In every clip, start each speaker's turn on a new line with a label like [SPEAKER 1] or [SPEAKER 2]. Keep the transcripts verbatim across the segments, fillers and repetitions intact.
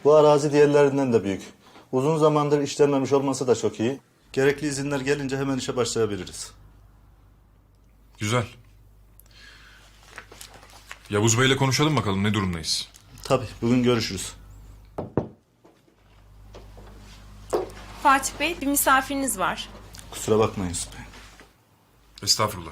[SPEAKER 1] Bu arazi diğerlerinden de büyük. Uzun zamandır işlenmemiş olması da çok iyi. Gerekli izinler gelince hemen işe başlayabiliriz.
[SPEAKER 2] Güzel. Yavuz Bey'le konuşalım bakalım ne durumdayız.
[SPEAKER 1] Tabii, bugün görüşürüz.
[SPEAKER 3] Fatih Bey, bir misafiriniz var.
[SPEAKER 1] Kusura bakmayın Yusuf Bey.
[SPEAKER 2] Estağfurullah.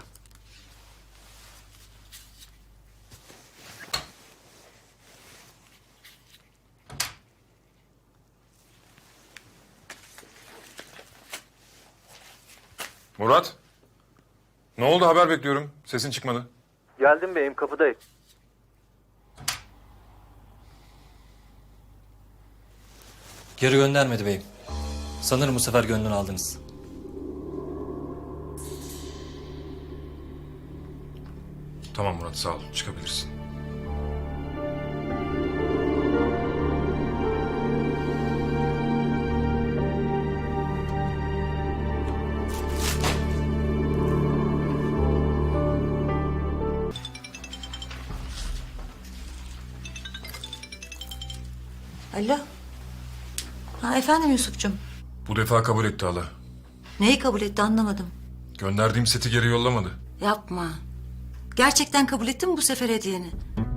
[SPEAKER 2] Murat. Ne oldu, haber bekliyorum. Sesin çıkmadı.
[SPEAKER 4] Geldim beyim, kapıdayım.
[SPEAKER 5] Geri göndermedi beyim. Sanırım bu sefer gönlünü aldınız.
[SPEAKER 2] Tamam Murat, sağ ol. Çıkabilirsin.
[SPEAKER 6] Alo. Ha, efendim Yusuf'cum.
[SPEAKER 2] Bu defa kabul etti hala.
[SPEAKER 6] Neyi kabul etti anlamadım.
[SPEAKER 2] Gönderdiğim seti geri yollamadı.
[SPEAKER 6] Yapma. Gerçekten kabul ettin mi bu sefer hediyeni?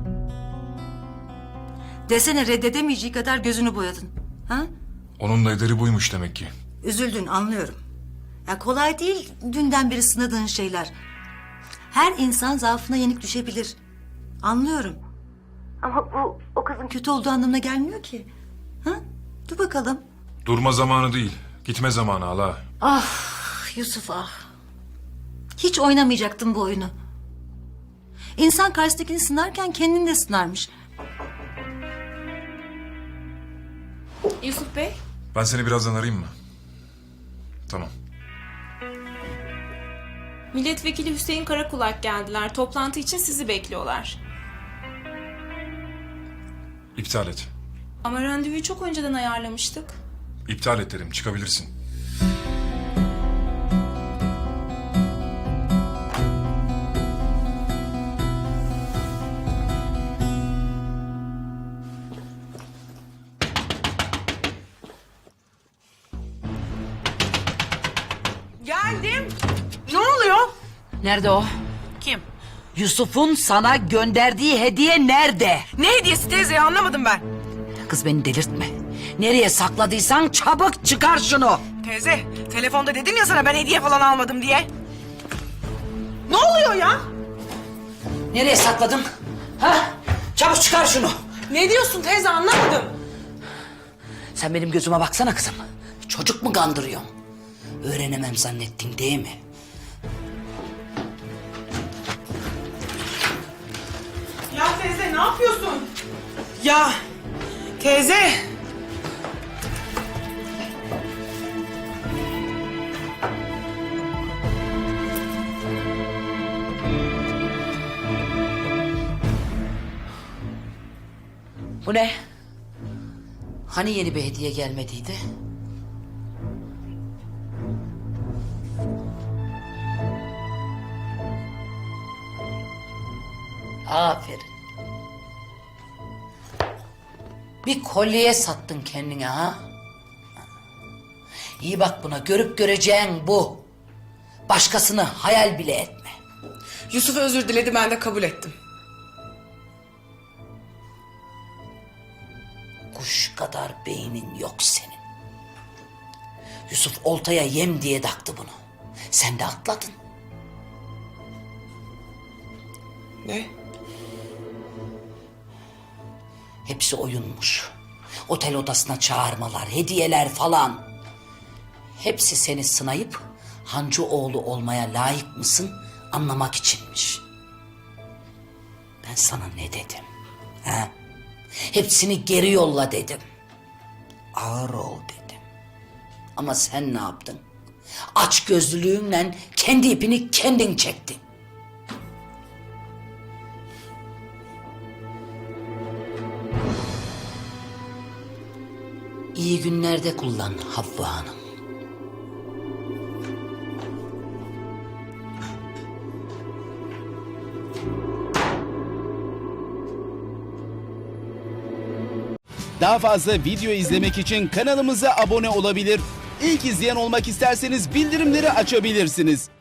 [SPEAKER 6] Desene reddedemeyeceği kadar gözünü boyadın. Ha?
[SPEAKER 2] Onun da ederi buymuş demek ki.
[SPEAKER 6] Üzüldün anlıyorum. Ya kolay değil dünden beri sınadığın şeyler. Her insan zaafına yenik düşebilir. Anlıyorum. Ama bu o kızın kötü olduğu anlamına gelmiyor ki. Ha? Dur bakalım.
[SPEAKER 2] Durma zamanı değil, gitme zamanı hala.
[SPEAKER 6] Ah Yusuf ah. Hiç oynamayacaktın bu oyunu. İnsan karşısındakini sınarken kendini de sınarmış.
[SPEAKER 3] Yusuf Bey,
[SPEAKER 2] Ben seni birazdan arayayım mı? Tamam.
[SPEAKER 3] Milletvekili Hüseyin Karakulak geldiler. Toplantı için sizi bekliyorlar.
[SPEAKER 2] İptal et.
[SPEAKER 3] Ama randevuyu çok önceden ayarlamıştık.
[SPEAKER 2] İptal et dedim, çıkabilirsin.
[SPEAKER 7] Geldim. Ne oluyor?
[SPEAKER 8] Nerede o?
[SPEAKER 7] Kim?
[SPEAKER 8] Yusuf'un sana gönderdiği hediye nerede?
[SPEAKER 7] Ne hediyesi teyze, anlamadım ben.
[SPEAKER 8] Kız beni delirtme. Nereye sakladıysan çabuk çıkar şunu.
[SPEAKER 7] Teyze, telefonda dedim ya sana ben hediye falan almadım diye. Ne oluyor ya?
[SPEAKER 8] Nereye sakladın? Ha? Çabuk çıkar şunu.
[SPEAKER 7] Ne diyorsun teyze, anlamadım.
[SPEAKER 8] Sen benim gözüme baksana kızım. Çocuk mu kandırıyorsun? Öğrenemem zannettin değil mi?
[SPEAKER 7] Ya teyze ne yapıyorsun? Ya teyze.
[SPEAKER 8] Bu ne? Hani yeni bir hediye gelmediydi? Aferin. Bir kolyeye sattın kendine ha? İyi bak buna, görüp göreceğin bu. Başkasını hayal bile etme.
[SPEAKER 7] Yusuf özür diledi, ben de kabul ettim.
[SPEAKER 8] Kuş kadar beynin yok senin. Yusuf oltaya yem diye taktı bunu. Sen de atladın.
[SPEAKER 7] Ne?
[SPEAKER 8] Hepsi oyunmuş. Otel odasına çağırmalar, hediyeler falan. Hepsi seni sınayıp Hancıoğlu olmaya layık mısın anlamak içinmiş. Ben sana ne dedim? Ha? Hepsini geri yolla dedim. Ağır ol dedim. Ama sen ne yaptın? Aç gözlülüğünle kendi ipini kendin çektin. İyi günlerde kullan Havva Hanım.
[SPEAKER 9] Daha fazla video izlemek için kanalımıza abone olabilir. İlk izleyen olmak isterseniz bildirimleri açabilirsiniz.